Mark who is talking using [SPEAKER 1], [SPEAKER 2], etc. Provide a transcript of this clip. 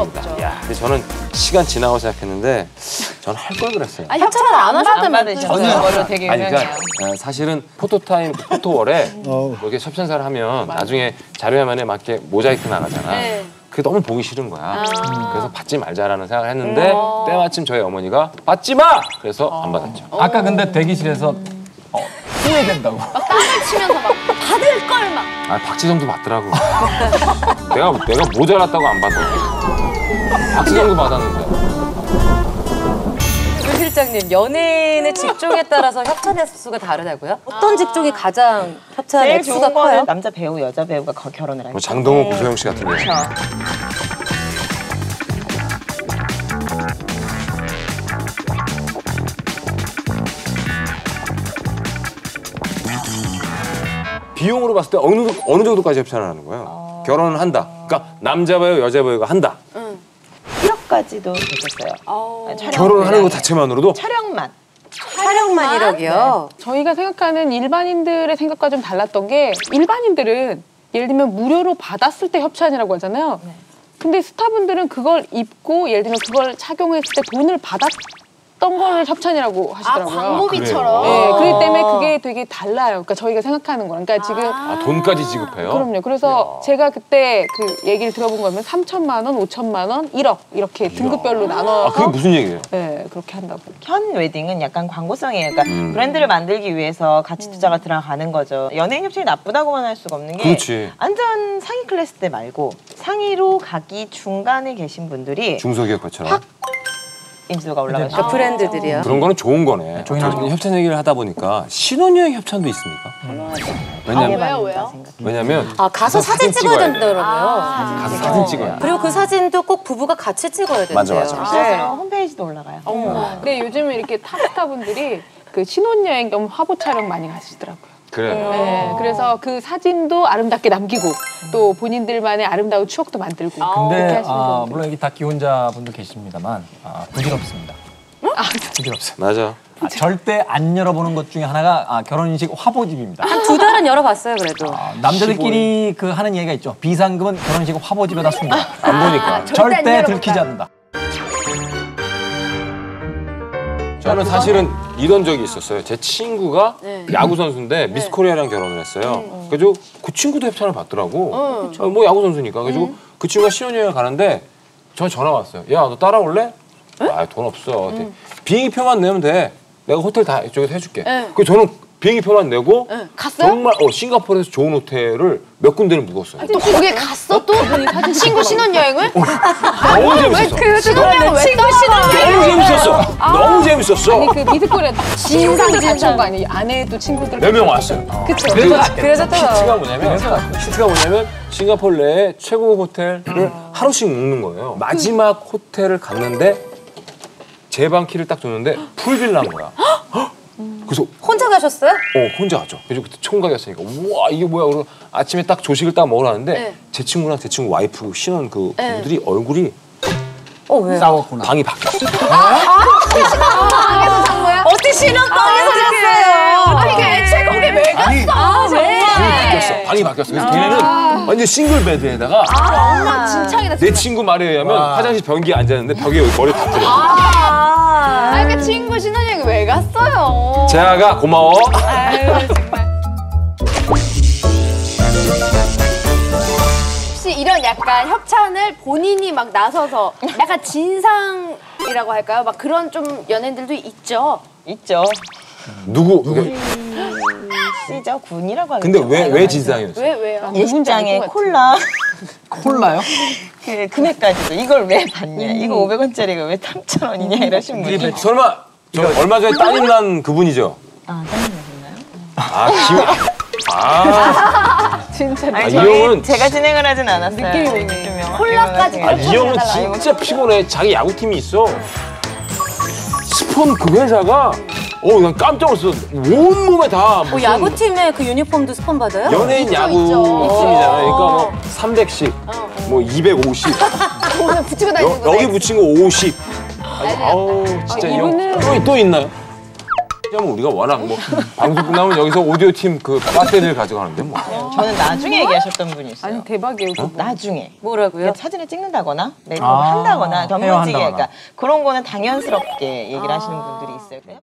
[SPEAKER 1] 없습니다. 야, 근데 저는 시간 지나고 생각했는데 저는 할 걸 그랬어요.
[SPEAKER 2] 아, 협찬을 안 하셨다면
[SPEAKER 3] 저는 되게
[SPEAKER 1] 아니, 그러니까 사실은 포토타임, 포토월에 뭐 이렇게 협찬사를 하면 나중에 자료 화면에 맞게 모자이크 나가잖아.
[SPEAKER 2] 네.
[SPEAKER 1] 그게 너무 보기 싫은 거야. 그래서 받지 말자라는 생각을 했는데 때마침 저희 어머니가 받지 마! 그래서 안 받았죠.
[SPEAKER 4] 아까 근데 대기실에서 후회된다고.
[SPEAKER 2] 막 땀을 치면서 막 받을 걸 막.
[SPEAKER 1] 아, 박지성도 받더라고. 내가 모자랐다고 안 받아. 박지성도 받았는데.
[SPEAKER 3] 조 실장님, 연예인의 직종에 따라서 협찬 횟수가 다르다고요? 어떤 직종이 가장 협찬
[SPEAKER 5] 제일
[SPEAKER 3] 횟수가
[SPEAKER 5] 좋은 거는
[SPEAKER 3] 커요?
[SPEAKER 5] 남자 배우, 여자 배우가 결혼을 하니까.
[SPEAKER 1] 뭐 장동호, 고소영 씨 같은 경우. 비용으로 봤을 때 어느 정도까지 협찬을 하는 거예요? 결혼을 한다. 그러니까 남자 배우, 여자 배우가 한다.
[SPEAKER 5] 1억까지도 됐었어요.
[SPEAKER 1] 결혼을 하는 것 자체만으로도?
[SPEAKER 5] 촬영만.
[SPEAKER 3] 촬영만 1억이요?
[SPEAKER 6] 저희가 생각하는 일반인들의 생각과 좀 달랐던 게 일반인들은 예를 들면 무료로 받았을 때 협찬이라고 하잖아요. 근데 스타분들은 그걸 입고 예를 들면 그걸 착용했을 때 돈을 받았던 걸 협찬이라고 하시더라고요.
[SPEAKER 2] 광고비처럼.
[SPEAKER 6] 네, 그렇기 때문에 그게 되게 달라요. 그러니까 저희가 생각하는 거랑. 그러니까 지금
[SPEAKER 1] 돈까지 지급해요?
[SPEAKER 6] 그럼요. 그래서 제가 그때 그 얘기를 들어본 거면 3천만 원, 5천만 원, 1억 이렇게 등급별로 나눠서
[SPEAKER 1] 그게 무슨 얘기예요?
[SPEAKER 6] 네, 그렇게 한다고.
[SPEAKER 5] 현 웨딩은 약간 광고성이에요. 그러니까 브랜드를 만들기 위해서 가치 투자가 들어가는 거죠. 연예인 협찬이 나쁘다고만 할 수가 없는 게
[SPEAKER 1] 그렇지.
[SPEAKER 5] 완전 상위 클래스 때 말고 상위로 가기 중간에 계신 분들이
[SPEAKER 1] 중소기업처럼.
[SPEAKER 5] 인지도가 올라가죠.
[SPEAKER 3] 그러니까 브랜드들이요?
[SPEAKER 1] 그런 거는 좋은 거네.
[SPEAKER 4] 종인하죠.
[SPEAKER 1] 협찬 얘기를 하다 보니까 신혼여행 협찬도 있습니까?
[SPEAKER 2] 왜요?
[SPEAKER 1] 왜냐면
[SPEAKER 3] 가서 사진 찍어야 된다더라고요.
[SPEAKER 1] 가서 사진 찍어요.
[SPEAKER 3] 그리고 그 사진도 꼭 부부가 같이 찍어야 된대요.
[SPEAKER 1] 맞아.
[SPEAKER 5] 실제로 홈페이지도 올라가요.
[SPEAKER 6] 근데 요즘은 이렇게 탑스타분들이 그 신혼여행 겸 화보 촬영 많이 가시더라고요.
[SPEAKER 1] 그래.
[SPEAKER 6] 네, 그래서 그 사진도 아름답게 남기고 또 본인들만의 아름다운 추억도 만들고 그렇게
[SPEAKER 4] 근데
[SPEAKER 6] 하시는 분들.
[SPEAKER 4] 물론 여기 다 기혼자분도 계십니다만 부질없습니다. 부질없어요.
[SPEAKER 1] 맞아.
[SPEAKER 4] 절대 안 열어보는 것 중에 하나가 결혼식 화보집입니다.
[SPEAKER 3] 한 2달은 열어봤어요, 그래도.
[SPEAKER 4] 남자들끼리 그 하는 얘기가 있죠. 비상금은 결혼식 화보집에다 숨겨.
[SPEAKER 1] 안 보니까.
[SPEAKER 4] 절대 들키지 않는다.
[SPEAKER 1] 저는 사실은 이런 적이 있었어요. 제 친구가 야구 선수인데 미스 코리아랑 결혼을 했어요. 그래서 그 친구도 협찬을 받더라고. 뭐 야구 선수니까. 그래서 그 친구가 신혼여행 가는데 저한테 전화 왔어요. 야, 너 따라올래? 아, 돈 없어. 비행기표만 내면 돼. 내가 호텔 다 이쪽에서 해줄게. 그래서 저는 비행기표만 내고
[SPEAKER 2] 갔어요?
[SPEAKER 1] 정말 싱가포르에서 좋은 호텔을 몇 군데를 묵었어요.
[SPEAKER 2] 또 거기에 갔어 또? 친구 신혼여행을?
[SPEAKER 1] 너무 재밌었어.
[SPEAKER 2] 그 신혼여행 왜 또 신혼여행?
[SPEAKER 1] 너무 재밌었어. 너무 재밌었어.
[SPEAKER 6] 아니 그 미드코리아 친구들 같이 온 거 아니에요? 아내도 친구들
[SPEAKER 1] 몇 명 왔어요.
[SPEAKER 6] 그쵸?
[SPEAKER 4] 그래서
[SPEAKER 1] 히트가 뭐냐면 싱가포르 내에 최고 호텔을 하루씩 묵는 거예요. 마지막 호텔을 갔는데 제 방 키를 딱 줬는데 풀빌라인 거야. 그래서
[SPEAKER 3] 혼자 가셨어요?
[SPEAKER 1] 혼자 갔죠. 그래서 그때 총각이었으니까 우와 이게 뭐야. 그러고 아침에 딱 조식을 딱 먹으러 왔는데 제 친구랑 제 친구 와이프 신혼 그 분들이 얼굴이
[SPEAKER 3] 왜요?
[SPEAKER 4] 싸웠구나.
[SPEAKER 1] 방이 바뀌었어.
[SPEAKER 2] 방에서 산 거야?
[SPEAKER 3] 어떻게 신혼방에서 잤어요?
[SPEAKER 2] 아니 그 애초에 거기 왜 갔어?
[SPEAKER 1] 왜? 방이 바뀌었어. 그래서 걔네는 완전 싱글 베드에다가
[SPEAKER 2] 엉망진창이다.
[SPEAKER 1] 내 친구 말에 의하면 화장실 변기에 앉았는데 벽에 여기 머리 다 들어.
[SPEAKER 2] 아니 그 친구 신혼여행 왜 갔어요?
[SPEAKER 1] 재아가 고마워.
[SPEAKER 2] 아유 정말. 혹시 이런 약간 협찬을 본인이 막 나서서 약간 진상이라고 할까요? 막 그런 좀 연예인들도 있죠.
[SPEAKER 5] 있죠.
[SPEAKER 1] 누구?
[SPEAKER 5] 씨죠. 군이라고 하겠죠.
[SPEAKER 1] 근데 왜 진상이었어?
[SPEAKER 2] 왜요?
[SPEAKER 5] 예식장에 콜라
[SPEAKER 4] 콜라요?
[SPEAKER 5] 그 금액까지도 이걸 왜 받냐? 이거 500원짜리가 왜 3,000원이냐 이러신 분이.
[SPEAKER 1] 설마 저 얼마 전에 따님 난 그분이죠?
[SPEAKER 5] 짜증나셨나요?
[SPEAKER 6] 진짜
[SPEAKER 1] 이
[SPEAKER 5] 아니
[SPEAKER 1] 형은
[SPEAKER 5] 제가 진행을 하진 않았어요.
[SPEAKER 6] 느낌이 오네.
[SPEAKER 2] 콜라까지
[SPEAKER 1] 이 형은 진짜 피곤해. 자기 야구팀이 있어. 스폰 그 회사가 난 깜짝 놀랐어. 온몸에 다 무슨
[SPEAKER 3] 야구팀의 그 유니폼도 스폰 받아요?
[SPEAKER 1] 연예인 야구
[SPEAKER 2] 있죠.
[SPEAKER 1] 팀이잖아. 그러니까 뭐 300씩, 뭐 250.
[SPEAKER 2] 오늘 붙이고 다니는 거.
[SPEAKER 1] 여기 붙인 거 50. 아우 진짜 이 형. 또 있나요? 왜냐면 우리가 워낙 뭐 방송 끝나면 여기서 오디오 팀 그 배터리를 가져가는데 뭐.
[SPEAKER 5] 저는 나중에 얘기하셨던 분이 있어요.
[SPEAKER 6] 아니 대박이에요. 그거.
[SPEAKER 5] 나중에.
[SPEAKER 3] 뭐라고요?
[SPEAKER 5] 사진을 찍는다거나 네이버
[SPEAKER 4] 아,
[SPEAKER 5] 한다거나 전문직에
[SPEAKER 4] 헤어한다거나.
[SPEAKER 5] 그러니까 그런 거는 당연스럽게 얘기를 하시는 분들이 있어요.